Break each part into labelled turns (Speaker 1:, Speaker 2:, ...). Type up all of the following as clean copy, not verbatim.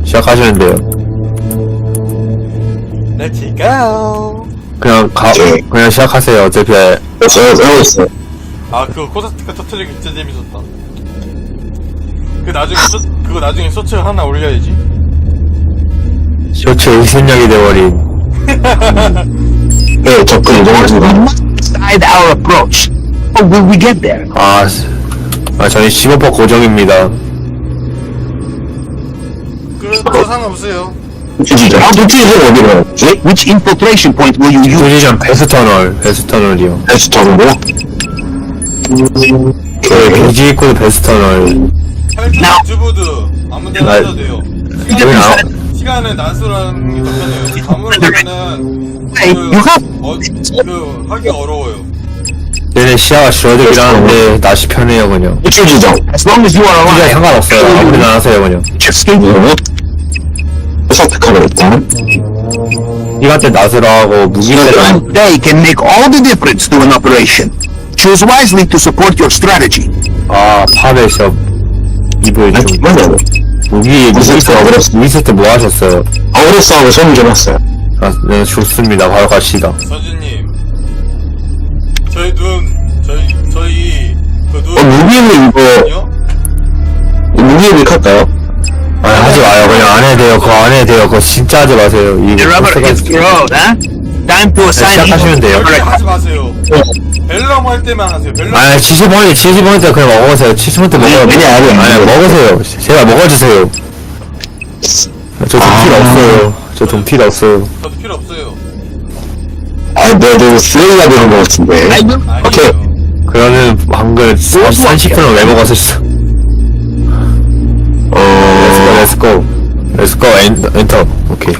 Speaker 1: 시작하시면 돼요.
Speaker 2: Let's go.
Speaker 1: 그냥 시작하세요. 어차피
Speaker 3: 저요 있어요.
Speaker 2: 아, 그거 코사스티카 터트리기 진짜 재밌었다. 그거 나중에 쇼츠 하나 올려야지.
Speaker 1: 쇼츠 의심력이 돼버린.
Speaker 3: 네, 접근 이동하겠습니다.
Speaker 4: Decide our approach. How will we get there?
Speaker 1: 저희 15% 고정입니다.
Speaker 2: 그래도 상관없어요.
Speaker 3: 도티지는 어디로 갔지?
Speaker 4: Which infiltration point will you use?
Speaker 1: 포지션 베스터널이요.
Speaker 3: 베스터는요?
Speaker 1: 비지 입구도 베스터널.
Speaker 2: 팔뚝 주부드 아무데나 해도 돼요. 시간은 낮으라는 게 더 편해요. 아무래도는 하기 어려워요.
Speaker 1: 얘네 시야가 줄어들긴 하는데 낮이 편해요 그냥.
Speaker 3: 우출지정.
Speaker 4: As long as you are
Speaker 1: 시야
Speaker 4: alive.
Speaker 1: 상관없어요. 아무리나 하세요 그냥.
Speaker 3: 선택하면 일단.
Speaker 1: 시간 때 낮으로 하고 무기 때
Speaker 4: One day can make all the difference to an operation. Choose wisely to support your strategy.
Speaker 1: 파베숍 이브에 좀
Speaker 3: 맞아요.
Speaker 1: 무기 있을 때 뭐 하셨어요?
Speaker 3: 어그레스하고 손을 줘봤어요.
Speaker 1: 네 좋습니다. 바로 갑시다.
Speaker 2: 서준님, 저희 그
Speaker 3: 무기는 이거, 무기를 할까요?
Speaker 1: 하지 마요. 그냥 안 해도 돼요. 그거 안 해도 돼요. 그거 진짜 하지 마세요. 이거
Speaker 4: The rubber hits the road, huh? Time to assign
Speaker 1: 시작하시면 돼요.
Speaker 2: 하지 마세요. 벨람 할 때만 하세요. 벨람.
Speaker 1: 70포인트 그냥 먹으세요. 70포인트 먹어요. 아니, 먹으세요. 제가 먹어주세요. 저 돈 필요 없어요. 저 돈 필요 없어요.
Speaker 2: 저도 필요 없어요.
Speaker 3: 네, 쓰레기가 되는 것 같은데. 오케이.
Speaker 2: 아니에요.
Speaker 1: 그러면 방금 30분을 왜 먹었었어? Let's go. 엔터. 오케이.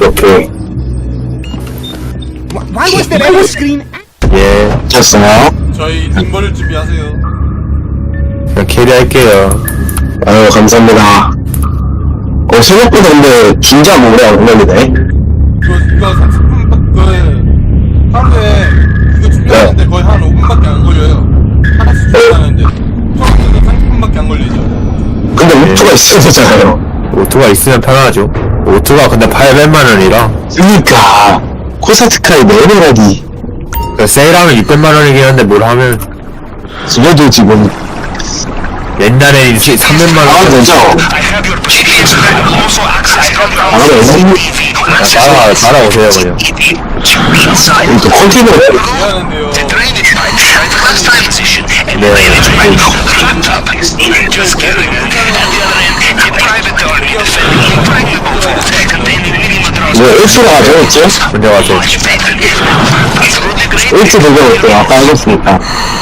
Speaker 4: Why was there ever screen?
Speaker 1: 예.
Speaker 3: 됐어요.
Speaker 2: 저희 등벌을 준비하세요.
Speaker 1: 그냥 캐리할게요.
Speaker 3: 아유, 감사합니다. 생각보다 근데 진짜 오래 안 걸리네.
Speaker 2: 이거 30분 하루에 이거 준비하는데 거의 한 5분밖에 안 걸려요. 하나씩 준비하는데 처음부터 30분밖에 안 걸리죠.
Speaker 3: 근데 오토가 있어야 되잖아요.
Speaker 1: 오토가 있으면 편하죠. 오토가 근데 800만원이라.
Speaker 3: 그니까, 코사트카의 내내라기.
Speaker 1: 세일하면 600만원이긴 한데 뭘 하면.
Speaker 3: 그래도 지금,
Speaker 1: 옛날에 300만원.
Speaker 3: 되죠?
Speaker 1: 따라오세요, 그냥.
Speaker 3: 또 컨테이너.
Speaker 2: 미안한데요.
Speaker 3: X가 가져있죠?
Speaker 1: 먼저 가세요.
Speaker 3: X 들려올게요. 아까 알겠으니까.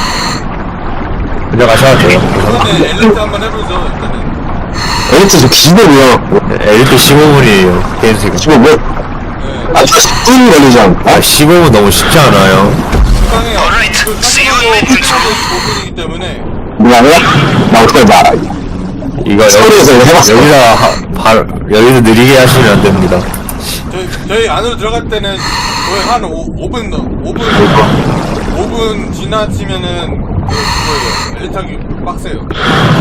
Speaker 1: 먼저 가셔도 돼요.
Speaker 2: 이번에 엘리트 한번 해보죠. 일단은.
Speaker 3: X 저 기본이요.
Speaker 1: 엘리트 15분이에요. 게임스가.
Speaker 3: 지금 뭐,
Speaker 2: 네.
Speaker 3: 10분 걸리지 않나?
Speaker 1: 15분 너무 쉽지 않아요.
Speaker 2: 적당해요. 그 5분이기 때문에
Speaker 3: 뭐야? 나 어떡해 봐.
Speaker 1: 이거
Speaker 3: 서울에서 이거 해봤어.
Speaker 1: 여기서 느리게 하시면 안 됩니다.
Speaker 2: 저희 안으로 들어갈 때는 거의 한 5분 지나치면은 그거예요. 엘리트 하기 빡세요.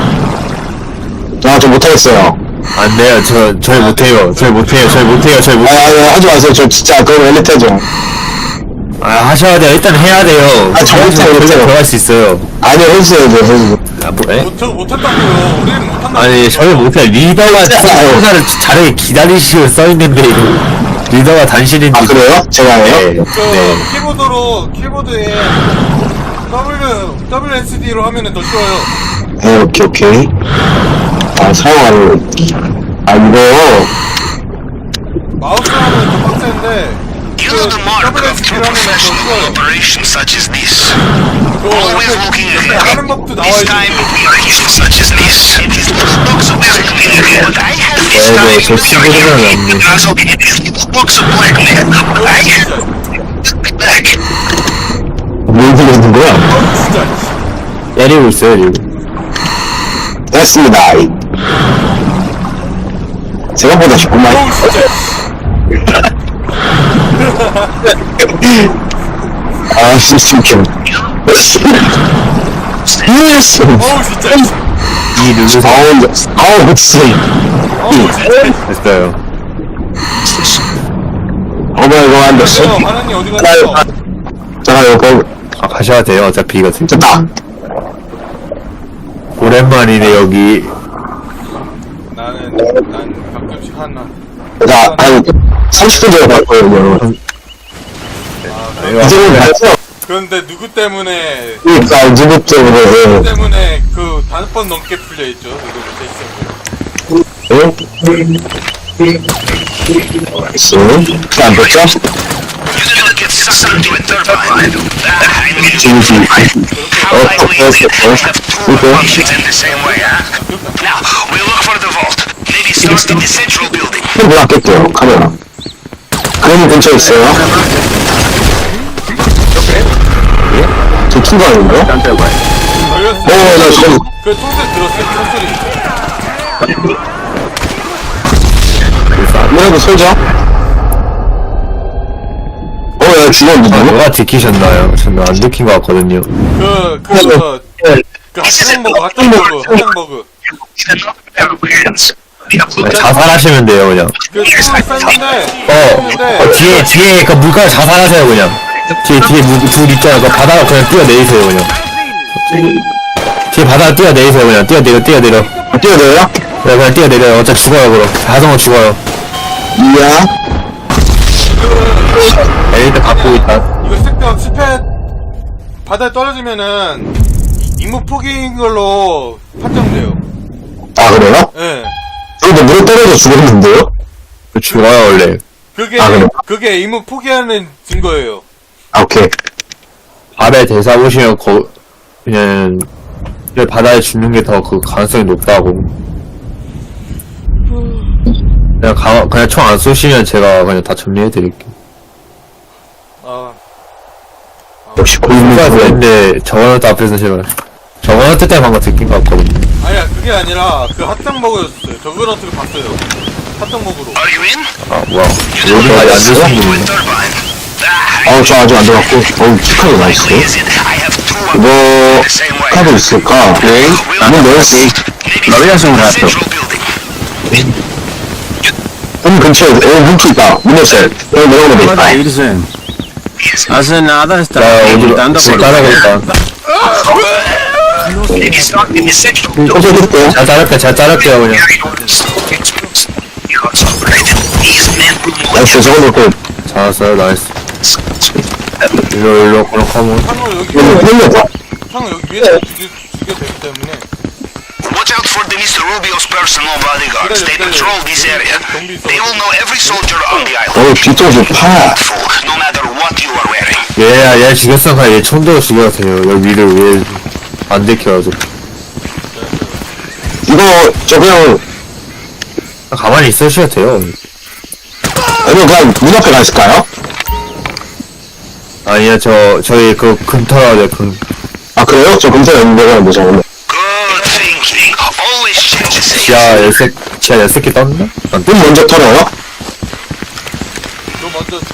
Speaker 3: 저 못하겠어요.
Speaker 1: 안 돼요. 저희 못해요. 저희 못해요.
Speaker 3: 하지 마세요. 저 진짜 그거 엘리트 해줘.
Speaker 1: 하셔야 돼요. 일단 해야 돼요.
Speaker 3: 저 못해요.
Speaker 1: 들어갈 수 있어요.
Speaker 3: 아니, 해주세요.
Speaker 2: 저거 못한다고요. 우리는 못한다고.
Speaker 1: 아니, 저희 못해요. 리더가 사를 잘하게 기다리시고 써있는데, 이거. 리더가 단신인데.
Speaker 3: 그래요? 제가 해요?
Speaker 1: 네.
Speaker 2: 키보드에 WSD로 하면은 더 쉬워요.
Speaker 3: 네, 오케이. 사용하는, 이거,
Speaker 2: 마우스 하면 더 빡센데
Speaker 5: You know the mark of true professional operation such as this. Always looking ahead.
Speaker 2: 하는 법도 나와
Speaker 5: This
Speaker 2: 있고.
Speaker 5: time we are here such as this. It looks a bit clear, but I have this time.
Speaker 1: 저 친구들은 없네.
Speaker 5: Looks a black man. I have back.
Speaker 3: 뭘 들리는 거야?
Speaker 2: 진짜.
Speaker 1: 때리고 있어요, 지금.
Speaker 3: 됐습니다. 생각보다 쉽구만. 시스템. 예스!
Speaker 2: 어우 진짜.
Speaker 1: 이 누르세요.
Speaker 3: 그치.
Speaker 1: 됐어요.
Speaker 3: 뭐야, 이거 안 됐어?
Speaker 2: 하나님 어디 갔어?
Speaker 3: 잠깐, 이거,
Speaker 1: 가셔야 돼요. 어차피 이거
Speaker 3: 됐다.
Speaker 1: 오랜만이네 여기.
Speaker 2: 난 가끔씩 하나.
Speaker 3: 자, 한 30분 전에 갈 거예요, 여러분. 이제는 갈게요.
Speaker 2: 그런데 누구 때문에
Speaker 3: 그러니까, 누구 때문에,
Speaker 2: 그 5번 넘게 풀려있죠? 이거 제
Speaker 3: 나이스. 안 됐죠?
Speaker 5: You didn't get sucked into a turbine. I mean,
Speaker 3: 지지.
Speaker 5: how likely is it that we have two functions in the same way, huh? Now, we look for the vault. Maybe start in the central building.
Speaker 3: 문 아낄게요, 카메라. 그럼 근처에 있어요. 저 충분한데요?
Speaker 2: 걸렸어요.
Speaker 3: 나 지금,
Speaker 2: 그 총소리 들었어요? 총소리.
Speaker 3: 문에도 설정? 야, 죽었는데, 누구?
Speaker 1: 누가 지키셨나요? 저는 안 지킨 것 같거든요.
Speaker 2: 핫정버그.
Speaker 1: 자살하시면 돼요 그냥.
Speaker 2: 그 총을 쐈는데,
Speaker 1: 뒤에 그 물가에 자살하세요 그냥. 뒤에 둘 있잖아요. 그 바다로 그냥 뛰어내리세요 그냥. 뒤에 바다로 뛰어내리세요 그냥. 뛰어내려.
Speaker 3: 뛰어내요?
Speaker 1: 네, 그냥 뛰어내려요. 어차피 죽어요 그럼. 자동으로 죽어요.
Speaker 3: 이야.
Speaker 1: 엘리트 갖고 있다.
Speaker 2: 이거 쓸데없 실패, 바다에 떨어지면은, 임무 포기인 걸로 판정돼요.
Speaker 3: 아, 그래요?
Speaker 2: 예.
Speaker 3: 근데 물에 떨어져 죽었는데요?
Speaker 1: 죽어요 원래.
Speaker 2: 그게,
Speaker 3: 아, 그래요?
Speaker 2: 그게 임무 포기하는 증거예요.
Speaker 3: 아, 오케이.
Speaker 1: 밥에 대사 보시면 그냥 바다에 죽는 게 더 그 가능성이 높다고. 그냥 총 안 쏘시면 제가 그냥 다 정리해드릴게요.
Speaker 3: 역시 고인물.
Speaker 1: 근데 저거한테 앞에서 제가 저거한테 때문에 방금 듣긴 것 같거든요.
Speaker 2: 아니야, 그게 아니라, 그 핫정버그였어요. 저걸 어떻게 봤어요. 핫정버그로.
Speaker 5: Are you in?
Speaker 1: 아 뭐야
Speaker 5: You
Speaker 1: 여기까지 안
Speaker 5: sucked
Speaker 1: 드신
Speaker 5: into a
Speaker 1: 분이네.
Speaker 5: turbine.
Speaker 3: 저 아직 안 들어갔고. 축하도
Speaker 5: How
Speaker 3: 나이스.
Speaker 5: likely is it I have two
Speaker 3: 이거,
Speaker 5: in the same way?
Speaker 3: 카드 있을까? 네. 문 열었어.
Speaker 5: Maybe
Speaker 3: 나비야,
Speaker 5: start in the
Speaker 3: 좀
Speaker 5: central building.
Speaker 3: 문 근처에, 문키 있다. 문 열쇠. 여기 내려오면 돼.
Speaker 6: irse. Hace nada
Speaker 1: 나
Speaker 6: estaba
Speaker 1: 어디로
Speaker 6: preguntando por
Speaker 1: 따라가 있다.
Speaker 5: Maybe start in the central building.
Speaker 3: 소개해줄게요.
Speaker 1: 잘 자를게요 그냥.
Speaker 5: These men will know
Speaker 3: 나이스, 저거 놓고.
Speaker 1: 잘했어요 나이스. 일로 그럼 가면.
Speaker 2: 창을 여기,
Speaker 3: 흘려.
Speaker 2: 창을 여기 위에 죽여되기 때문에.
Speaker 5: Watch out for the Mr. Rubio's personal bodyguards. They patrol this area. They will know every soldier on the island.
Speaker 3: 뒤통수 파.
Speaker 5: No matter what you are wearing.
Speaker 1: 얘 죽였어. 그냥 얘 총대로 죽여도 돼요. 여기 위를 왜 안 들켜가지고.
Speaker 3: 이거, 저 그냥,
Speaker 1: 가만히 있으셔도 돼요.
Speaker 3: 아니면 그냥 문 앞에 가 있을까요?
Speaker 1: 아니야 저희 그 금터라죠 금.
Speaker 3: 아, 그래요? 저 검사 연결하면 되죠, 원래.
Speaker 5: Good thinking. Always check the safe.
Speaker 1: 지하 10개 떴나?
Speaker 3: 문 먼저 털어요?
Speaker 2: 너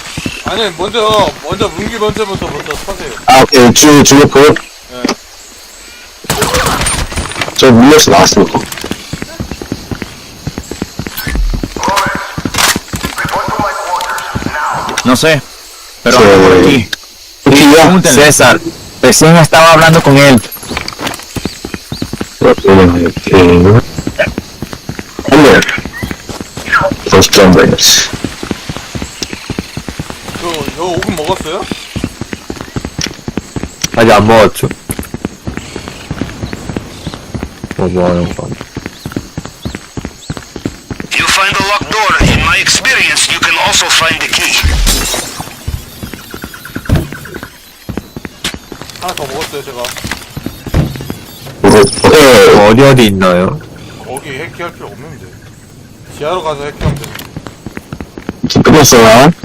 Speaker 2: 먼저 문기 먼저부터 터세요.
Speaker 3: 아, 오케이. 주목표. 저 문열쇠 나왔으니까.
Speaker 6: No sé, pero anda por aquí.
Speaker 3: 여기요?
Speaker 6: Pregúntenle. César, recién estaba hablando con él.
Speaker 3: 이렇게. 한번. First numbers.
Speaker 2: 저 오븐 먹었어요?
Speaker 1: 아직 안 먹었죠? 뭐 하는 거?
Speaker 5: You find a locked door. In my experience, you can also find the key.
Speaker 2: 하나 더 먹었어요, 제가.
Speaker 1: 어디 있나요?
Speaker 2: 거기 해킹할 필요 없는데. 지하로 가서 해킹하면 돼.
Speaker 3: 끝났어요.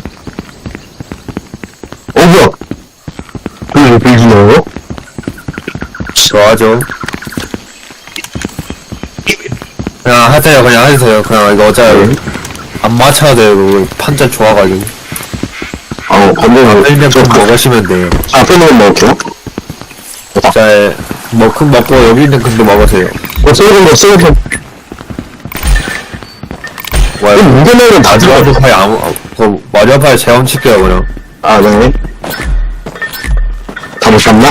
Speaker 3: 뭐야? 왜 빌지나요?
Speaker 1: 좋아하죠. 그냥 하세요. 그냥 이거 어차피 안 맞춰야 돼요. 그거 판자 좋아가지고.
Speaker 3: 반대로.
Speaker 1: 일면 좀 먹으시면 돼요.
Speaker 3: 앞에 놓으면 먹을게요.
Speaker 1: 자, 큰 먹고 여기 있는 큰도 먹으세요.
Speaker 3: 쏘는 거.
Speaker 1: 와,
Speaker 3: 문제는 다 들어가죠.
Speaker 1: 거의 그 마리아파에 제왕 칠게요 그냥.
Speaker 3: 아, 네. 다 못 잡나?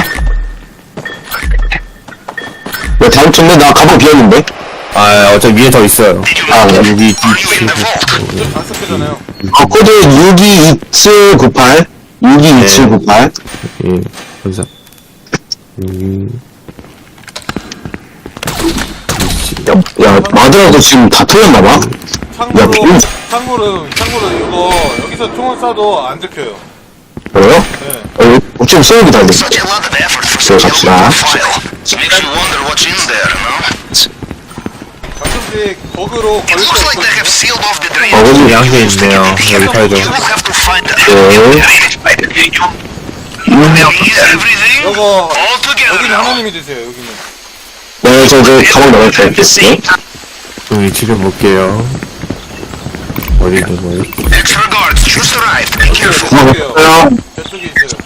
Speaker 3: 왜 다음 주인데 나 가방 비었는데?
Speaker 1: 아 어차피 위에 더 있어요.
Speaker 3: 아, 네.
Speaker 1: 여기
Speaker 5: Are you in the vault?
Speaker 2: 저 단속회잖아요.
Speaker 3: 코드 622798 622798
Speaker 1: 예 감사.
Speaker 3: 야, 마드라도 지금 다 틀렸나봐?
Speaker 2: 참고로
Speaker 3: 빈-
Speaker 2: 참고로 이거 여기서 총을 쏴도 안 들켜요.
Speaker 3: 그래요?
Speaker 2: 네.
Speaker 3: 지금 소음이 다 됐어.
Speaker 5: Such a lot of effort for
Speaker 3: So
Speaker 5: such a
Speaker 3: 갑시다.
Speaker 5: low file. Makes you wonder what's in there, no?
Speaker 2: 가끔씩 버그로
Speaker 5: It
Speaker 2: 걸릴
Speaker 5: looks like they
Speaker 2: 때
Speaker 5: have sealed off the drain.
Speaker 3: 어거지
Speaker 1: 양게 있네요. 여기 팔죠.
Speaker 5: You will have to find the
Speaker 3: 네.
Speaker 5: Is everything
Speaker 2: 이거
Speaker 5: all together
Speaker 2: 여기는
Speaker 5: now?
Speaker 2: 하나님이 드세요. 여기는.
Speaker 3: 네, 저 가방 넣을게요.
Speaker 1: 여기 지금 볼게요. 어디 있는 거예요?
Speaker 5: Extra guards just arrived. Be careful.
Speaker 3: 가방 넣었어요.
Speaker 2: 저쪽에 있어요.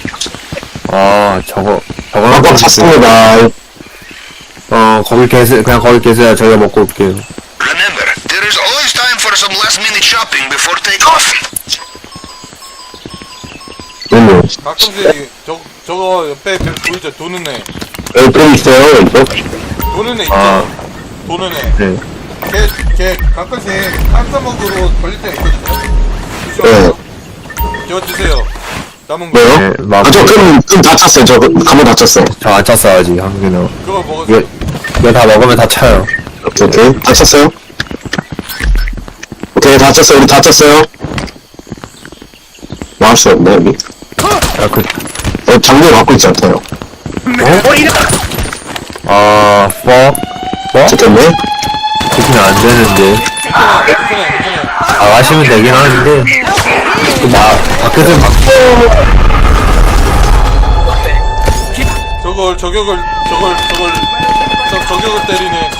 Speaker 1: 아 저거
Speaker 3: 가방 찼습니다.
Speaker 1: 거기 계세요. 그냥 거기 계세요. 저희가 먹고 올게요.
Speaker 5: Remember, there is always time for some last-minute shopping before takeoff.
Speaker 3: 네,
Speaker 2: 가끔씩 저거 옆에 별 보이죠? 도는 애.
Speaker 3: 여기 또 있어요, 이거.
Speaker 2: 도는 애 있죠?
Speaker 1: 아.
Speaker 2: 도는 애.
Speaker 1: 네.
Speaker 2: 걔 가끔씩 한사먹으로 걸릴 때가 있거든요.
Speaker 3: 네.
Speaker 2: 조심하세요. 저거 드세요. 남은 거.
Speaker 3: 뭐요?
Speaker 1: 네, 막
Speaker 3: 아, 저 그럼 다 찼어요. 저 가방 다 찼어요.
Speaker 1: 저안 찼어요 아직 한국에는.
Speaker 2: 그거 먹었어요.
Speaker 1: 이거 다 먹으면 다 차요.
Speaker 3: 오케이. 다 찼어요. 오케이, 다 찼어요. 우리 다 찼어요. 나올 수 없네, 여기.
Speaker 1: 그
Speaker 3: 장비를 갖고 있지 않다요. 좋겠네.
Speaker 1: 그렇게는 안 되는데.
Speaker 2: 괜찮아요.
Speaker 1: 나가시면 되긴 하는데. 밖에서
Speaker 2: 저격을 때리네.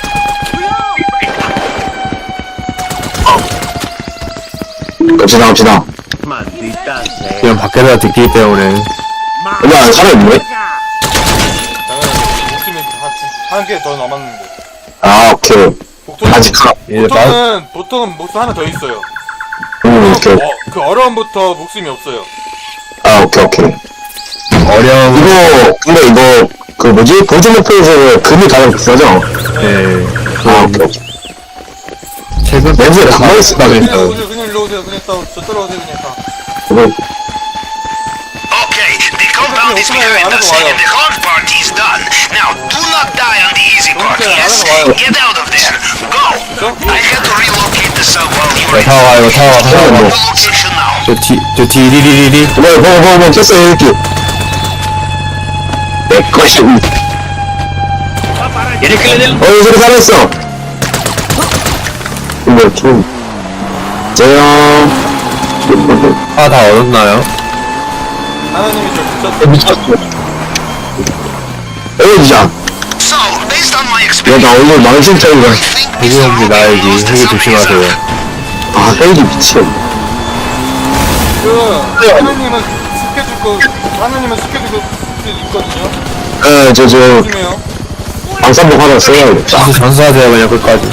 Speaker 3: 갑시다.
Speaker 1: 그냥 밖에서 듣기 때문에.
Speaker 3: 근데 안 살아있네?
Speaker 2: 당연히 목숨이 한 개 더 남았는데.
Speaker 3: 아, 오케이. 아직 가.
Speaker 2: 보통은 목숨 하나 더 있어요.
Speaker 3: 오케이.
Speaker 2: 그 어려움부터 목숨이 없어요.
Speaker 3: 아, 오케이.
Speaker 1: 어려운.
Speaker 3: 근데 이거, 그 뭐지? 보조 목표에서 금이 가장 비싸죠?
Speaker 1: 네.
Speaker 3: 아, 오케이.
Speaker 1: 최근
Speaker 3: 렌즈에 가만히 있으다면서.
Speaker 2: 그냥 일로 오세요. 그냥 저 따라오세요. 그냥 다.
Speaker 3: 이거,
Speaker 5: Okay, the compound is behind us, and the hard part is done. Now, do not die on the easy part, yes? Get out of there. Go! I had to relocate the sub while you were in
Speaker 1: 타워
Speaker 5: the location now.
Speaker 1: 저 디리리리리.
Speaker 3: 뭐, 켰어요, 이렇게. 내 것이. 저기 살아있어. 이거 좀.
Speaker 1: 다 얻었나요?
Speaker 2: 하나님이 저 붙였어.
Speaker 3: 미쳤어. 에이지야.
Speaker 5: So, based on my
Speaker 3: 야,
Speaker 5: experience,
Speaker 3: 나 오늘 망신창이다.
Speaker 5: I think
Speaker 1: 해기 형님 나야지. 해기 조심하세요.
Speaker 3: 아, 헬기 미친.
Speaker 2: 하나님은 스케줄 있거든요.
Speaker 3: 에, 저,
Speaker 2: 조심해요.
Speaker 3: 방산복 하나 써야겠다.
Speaker 1: 전수하세요 그냥 끝까지.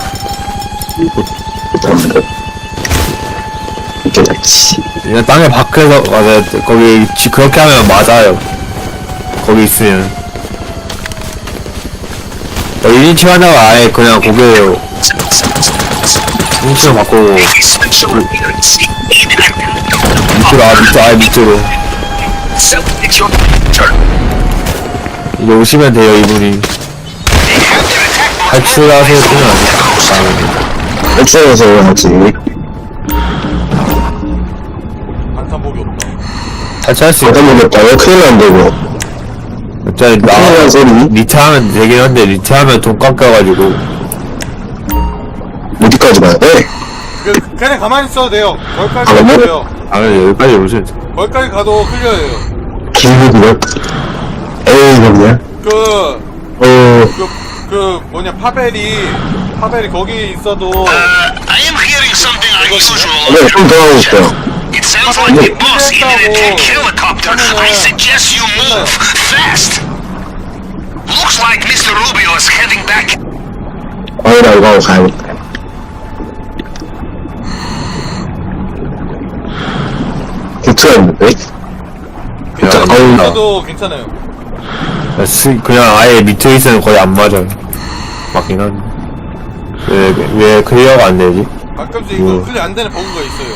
Speaker 3: 이렇게 잡지.
Speaker 1: 그냥 땅에 밖에서 맞아요. 거기 그렇게 하면 맞아요. 거기 있으면. 1인칭 하다가 아예 그냥 고개요. 1인칭으로 바꾸고 밑으로 아예 밑으로. 이제 오시면 돼요 이분이. 탈출하세요 쓰면 안 돼.
Speaker 3: 엑스에서 해야지.
Speaker 2: 반탄복이 없다.
Speaker 1: 탈출할 수 있어.
Speaker 3: 잠깐만겠다. 왜 큰일 난데, 이거.
Speaker 1: 어차피
Speaker 3: 큰일 소리.
Speaker 1: 리트하면 되긴 한데 리트하면 돈 깎여가지고.
Speaker 3: 어디까지 가야 돼?
Speaker 2: 그냥 가만히 있어도 돼요. 거기까지
Speaker 3: 아,
Speaker 2: 가도
Speaker 3: 너무-
Speaker 2: 돼요.
Speaker 1: 여기까지 오세요.
Speaker 2: 거기까지 가도 클리어예요.
Speaker 3: 길목이야? 에이, 이거냐?
Speaker 2: 파벨이 거기 있어도
Speaker 5: I am hearing something unusual.
Speaker 3: 네, 좀 더 하고 싶어요.
Speaker 5: It sounds like the boss in an attack helicopter. I suggest you move fast. Looks like Mr. Rubio is heading back.
Speaker 3: 나 이거 하고 가야겠다. 미투였는데?
Speaker 2: 그냥
Speaker 3: 어우,
Speaker 2: 저도 괜찮아요.
Speaker 1: 그냥 아예 밑에 있으면 거의 안 맞아요. 맞긴 한데. 왜 클리어가 안 되지?
Speaker 2: 가끔씩 이거 클릭 안 되는 버그가 있어요.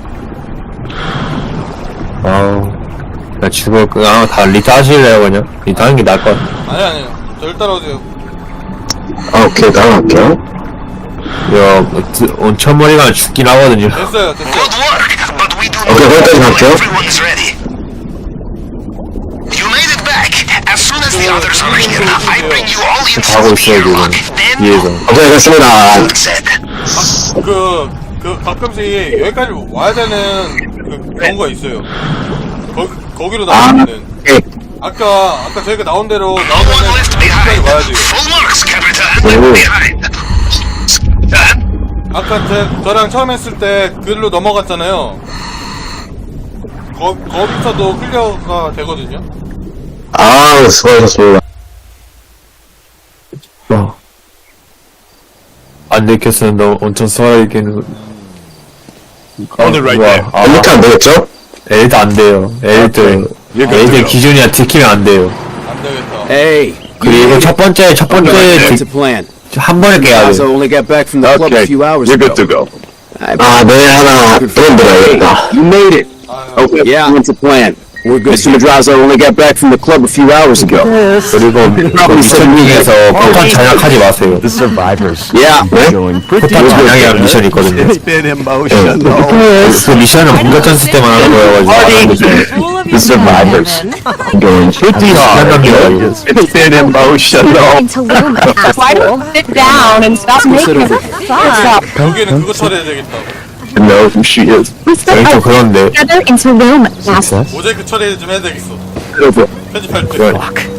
Speaker 1: 아우. 그냥 그냥 다 리타 하실래요, 그냥? 리타 하는 게 나을 것 같아.
Speaker 2: 아니요. 저를 따라오세요.
Speaker 3: 아, 오케이, 나갈게요.
Speaker 1: 온천머리가 죽긴 하거든요.
Speaker 2: 됐어요.
Speaker 5: Good work, but we do
Speaker 3: Okay,
Speaker 5: not
Speaker 3: 거기까지
Speaker 5: know
Speaker 3: 갈게요.
Speaker 5: everyone's ready. You made it back. As soon as the others are here, I bring you all
Speaker 1: 가고
Speaker 5: into the
Speaker 1: 있어요,
Speaker 5: airlock.
Speaker 1: 지금.
Speaker 5: Then,
Speaker 1: 뒤에서.
Speaker 3: 오케이, 됐습니다.
Speaker 5: said.
Speaker 2: 가끔씩 여기까지 와야 되는 경우가 있어요. 거기로
Speaker 3: 아,
Speaker 2: 나오면은.
Speaker 3: 오케이.
Speaker 2: 아까 저희가 나온 대로
Speaker 5: No one
Speaker 2: 나오면은
Speaker 5: left
Speaker 2: 여기까지
Speaker 5: behind.
Speaker 2: 와야 돼요.
Speaker 5: Full marks, Capitan.
Speaker 3: Oh.
Speaker 5: Behind.
Speaker 2: 아까 저랑 처음 했을 때 글로 넘어갔잖아요. 거기서도 클리어가 되거든요.
Speaker 3: 아, 수고하셨습니다.
Speaker 1: 안 들켰으면 너 엄청 수월하겠는.
Speaker 7: Hold it right there.
Speaker 3: 이렇게 안 되겠죠?
Speaker 1: 엘드 안 돼요. 엘드 기준이야 들키면 안 돼요.
Speaker 2: 안 되겠다.
Speaker 8: Hey,
Speaker 1: 그리고 첫 번째
Speaker 8: that's a plan.
Speaker 1: 한 번에 깨야
Speaker 8: So
Speaker 1: 돼.
Speaker 8: only got back from the club a
Speaker 7: Okay,
Speaker 8: few hours
Speaker 7: you're
Speaker 8: ago.
Speaker 7: good to go.
Speaker 3: 아, 내일 하나 들어야겠다.
Speaker 8: You made it.
Speaker 2: Okay,
Speaker 8: Yeah, that's a plan. We're good. Mr. Madrazo only got back from the club a few hours ago.
Speaker 1: 그리고 미션 중에서 폭탄 장악하지 마세요.
Speaker 7: The survivors
Speaker 8: Yeah.
Speaker 7: doing pretty
Speaker 1: 폭탄 장악이라는 미션이 있거든요.
Speaker 7: It's been emotional.
Speaker 1: 그 미션은 공격 전술 때만 하는 거여가지고.
Speaker 7: The survivors
Speaker 3: going
Speaker 7: pretty hard. It's been emotional.
Speaker 9: to Loomis. Why don't you sit down and stop making it fun?
Speaker 2: 여기는 그거 처리해야 되겠다.
Speaker 7: To know who she is.
Speaker 9: We
Speaker 1: 저희 좀 그런데.
Speaker 9: together into Loomis.
Speaker 2: 모자이크 처리 좀 해야 되겠어. 편집할 때.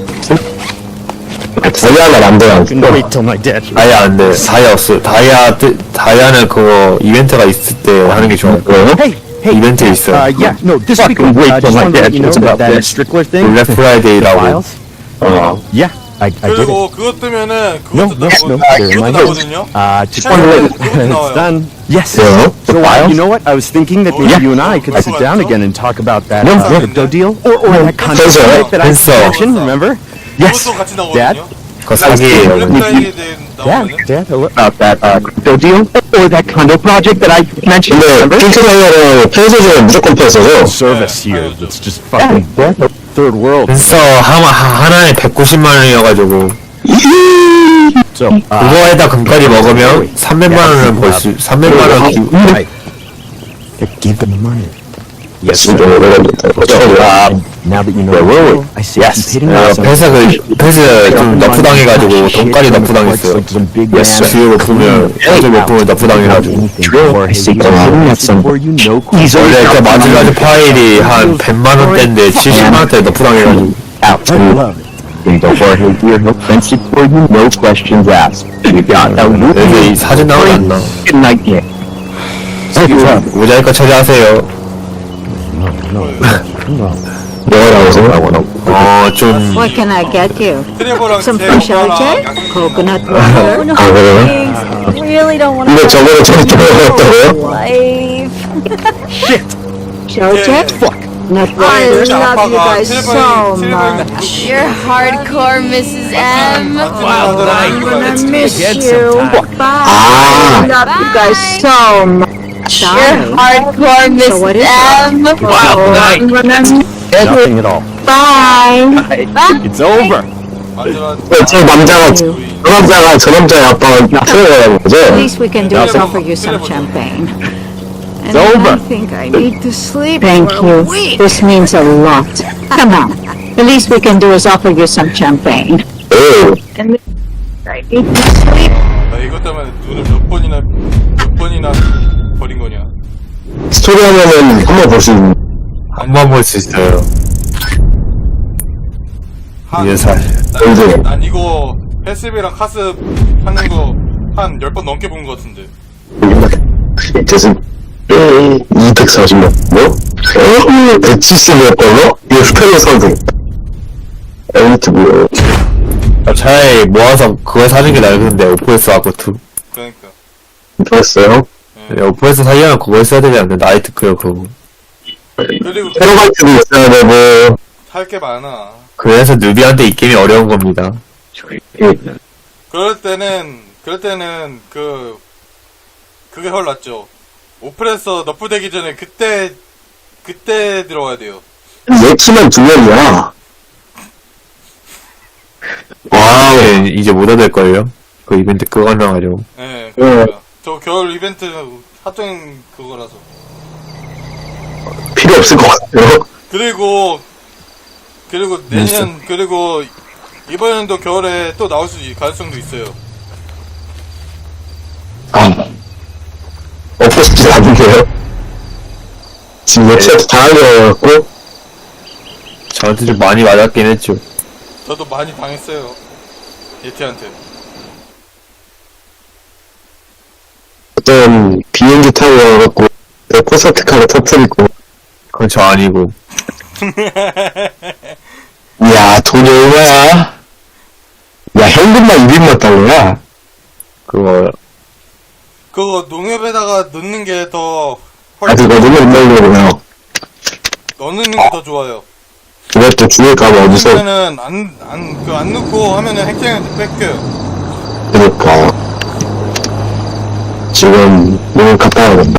Speaker 3: 다이아가 안 돼요.
Speaker 7: Wait till my dad.
Speaker 1: 다이아 안 돼. 다이아 없어. 다이아는 그거 이벤트가 있을 때 하는 게 좋아요. 이벤트 있어.
Speaker 7: Yeah, no, this week. Wait till my dad knows about that Strickler thing.
Speaker 1: 블랙 프라이데이라고.
Speaker 7: Files. Yeah, I did it.
Speaker 2: 그리고 그거 뜨면은
Speaker 7: No,
Speaker 2: 그것도
Speaker 7: no, no, they're in my
Speaker 2: 그것도
Speaker 7: head.
Speaker 2: 나거든요.
Speaker 7: Just
Speaker 2: 그것도
Speaker 7: it's
Speaker 2: 나와요.
Speaker 7: done. Yes.
Speaker 3: Yeah.
Speaker 7: So you know what? I was thinking that maybe you and I could sit down again and talk about that crypto deal or that contract that I mentioned. Remember? Yes.
Speaker 2: 그것도 같이
Speaker 7: Dad.
Speaker 2: 나오거든요.
Speaker 1: 그거 사기예요.
Speaker 2: 블랙 프라이데이 나오거든요.
Speaker 7: Dad, about that crypto deal or that condo project that I mentioned.
Speaker 3: 근데 핑크 다이아는 펜서 중에 무조건 펜서죠?
Speaker 7: Service here that's just fucking third world.
Speaker 1: 그래서 하나에 190만 원이어가지고
Speaker 7: So
Speaker 1: 그거에다 금까지 먹으면 300만 원을 벌 수. 300만 원.
Speaker 7: give them the money.
Speaker 3: Yes, 좀 오래간다.
Speaker 7: Now that you know where were we? I see you hitting us.
Speaker 1: 패스 좀 너프당해가지고 돈까지 너프당했어요. 주요 높으면 패스 높으면 너프당해가지고. 원래 그 마지막 파일이 한 100만 원대인데 70만 원대 너프당해가지고.
Speaker 3: No questions asked. You got that.
Speaker 1: 여기 이 사진 나오지 않나? 모자이크 처리하세요. 좀
Speaker 9: What can I get you?
Speaker 2: 트레버랑
Speaker 9: Some
Speaker 2: 제
Speaker 9: fresh
Speaker 2: 엄마랑
Speaker 9: LJ? Coconut water?
Speaker 3: 아, 그래요?
Speaker 9: Really don't want
Speaker 3: 근데 저거는 저렇게 먹었다고요?
Speaker 9: life. LJ?
Speaker 2: 제
Speaker 9: Not
Speaker 2: 제
Speaker 9: water.
Speaker 2: 아빠가
Speaker 9: so
Speaker 2: 트레버랑
Speaker 10: You're hardcore, Mrs. M.
Speaker 9: I'm gonna miss you. Bye. I love you guys so much.
Speaker 10: You're hardcore, Mrs.
Speaker 9: what is
Speaker 10: M.
Speaker 9: I'm gonna miss
Speaker 7: Nothing at all.
Speaker 9: Bye.
Speaker 7: It's over.
Speaker 2: 완전한
Speaker 3: 저 남자가 저 남자의 아빠가 트레버라는 거죠?
Speaker 9: At least we can do is offer you some champagne. And
Speaker 7: over.
Speaker 9: I think I need to sleep. Thank you. This means a lot. Come on. The least we can do is offer you some champagne.
Speaker 3: 오.
Speaker 9: And I need to sleep.
Speaker 2: 나 이것 때문에 눈을 몇 번이나 버린 거냐.
Speaker 3: 스토리 하면은 한번 볼 수 있는.
Speaker 1: 한 번 볼 수 있어요. 이게 사실.
Speaker 2: 난 이거 패스비랑 카스 하는 거 한 10번 넘게 본 거 같은데.
Speaker 3: 대신 240만 뭐? 170몇 달러? 이거 스펠러 선생. 엘리트 뭐야?
Speaker 1: 차라리 모아서 그걸 사는 게 나은데 오프에스 아쿠트.
Speaker 2: 그러니까.
Speaker 3: 좋았어요.
Speaker 1: 오프에스 사려면 그걸 써야 되지 않나? 나이트 클럽 그거.
Speaker 2: 그리고
Speaker 3: 테러바이트도 있어야 되고.
Speaker 2: 할 게 많아.
Speaker 1: 그래서 누비한테 이 게임이 어려운 겁니다.
Speaker 2: 그럴 때는 그게 훨 낫죠. 오프레서 너프되기 전에 그때 들어가야 돼요.
Speaker 3: 얘 치면 2명이야. 와,
Speaker 1: 이제 못 얻을걸요? 그 이벤트 그거 하려고.
Speaker 2: 네, 그러니까. 저 겨울 이벤트 합정 그거라서.
Speaker 3: 필요 없을 것 같아요.
Speaker 2: 그리고 내년 그리고 이번 연도 겨울에 또 나올 수 가능성도 있어요.
Speaker 3: 없고 싶지 않은데요. 지금 웹사이트 당하려고.
Speaker 1: 저한테 좀 많이 맞았긴 했죠.
Speaker 2: 저도 많이 당했어요. 예티한테.
Speaker 3: 어떤 비행기 타고 와갖고 콘서트 카를 터뜨리고.
Speaker 1: 그건 저 아니고.
Speaker 3: 야, 돈이 얼마야? 야, 현금만 200만 달러야?
Speaker 1: 그거
Speaker 2: 농협에다가 넣는 게 더
Speaker 3: 아직 어디로 넣으려고요?
Speaker 2: 넣는 게 더 좋아요.
Speaker 3: 그것도 죽을까봐 어디서.
Speaker 2: 그러면은 안 넣고 하면은 핵쟁이한테 뺏겨요.
Speaker 3: 그러니까. 지금, 몸을 갖다 와야겠다.